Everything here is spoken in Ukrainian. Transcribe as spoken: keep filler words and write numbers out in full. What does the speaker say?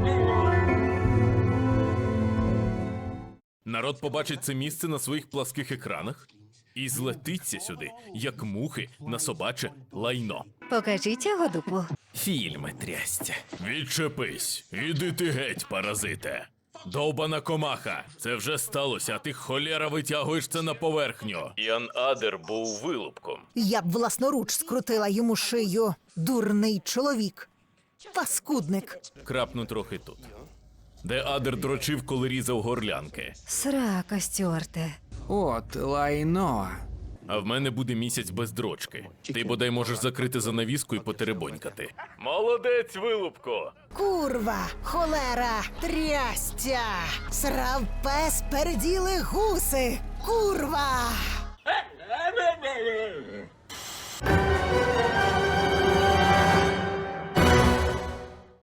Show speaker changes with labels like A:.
A: Народ побачить це місце на своїх пласких екранах і злетиться сюди, як мухи на собаче лайно.
B: Покажіть його дупу.
A: Фільми трястя. Відчепись. Іди ти геть, паразите. Довбана комаха. Це вже сталося, а ти холєра витягуєш це на поверхню. Ян Адер був вилупком.
C: Я б власноруч скрутила йому шию. Дурний чоловік. Паскудник.
A: Крапну трохи тут. Де Адер дрочив, коли різав горлянки.
B: Срака, Стюарте.
D: От лайно.
A: А в мене буде місяць без дрочки. Ти бодай можеш закрити занавіску і потеребонькати. Молодець, вилупко!
C: Курва, холера, трястя. Срав пес, переділи гуси. Курва!